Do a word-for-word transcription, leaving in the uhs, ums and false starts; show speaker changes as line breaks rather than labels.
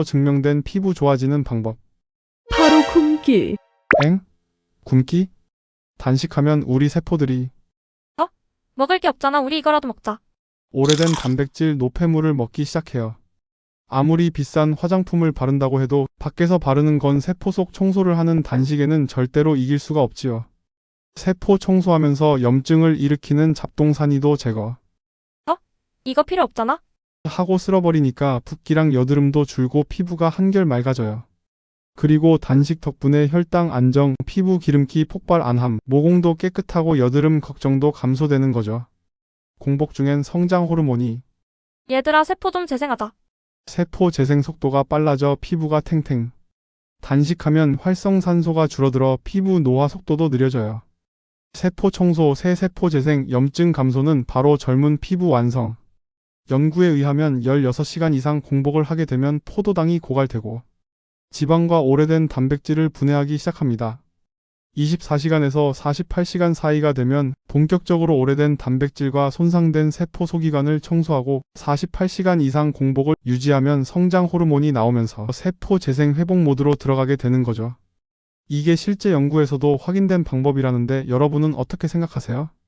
증명된 피부 좋아지는 방법.
바로 굶기.
엥? 굶기? 단식하면 우리 세포들이
어? 먹을 게 없잖아. 우리 이거라도 먹자.
오래된 단백질 노폐물을 먹기 시작해요. 아무리 비싼 화장품을 바른다고 해도 밖에서 바르는 건 세포 속 청소를 하는 단식에는 절대로 이길 수가 없지요. 세포 청소하면서 염증을 일으키는 잡동사니도 제거
이거 필요 없잖아.
하고 쓸어버리니까 붓기랑 여드름도 줄고 피부가 한결 맑아져요. 그리고 단식 덕분에 혈당 안정, 피부 기름기 폭발 안함, 모공도 깨끗하고 여드름 걱정도 감소되는 거죠. 공복 중엔 성장 호르몬이
얘들아, 세포 좀 재생하자.
세포 재생 속도가 빨라져 피부가 탱탱. 단식하면 활성산소가 줄어들어 피부 노화 속도도 느려져요. 세포 청소, 새 세포 재생, 염증 감소는 바로 젊은 피부 완성. 연구에 의하면 열여섯 시간 이상 공복을 하게 되면 포도당이 고갈되고 지방과 오래된 단백질을 분해하기 시작합니다. 이십사 시간에서 사십팔 시간 사이가 되면 본격적으로 오래된 단백질과 손상된 세포 소기관을 청소하고 사십팔 시간 이상 공복을 유지하면 성장 호르몬이 나오면서 세포 재생 회복 모드로 들어가게 되는 거죠. 이게 실제 연구에서도 확인된 방법이라는데 여러분은 어떻게 생각하세요?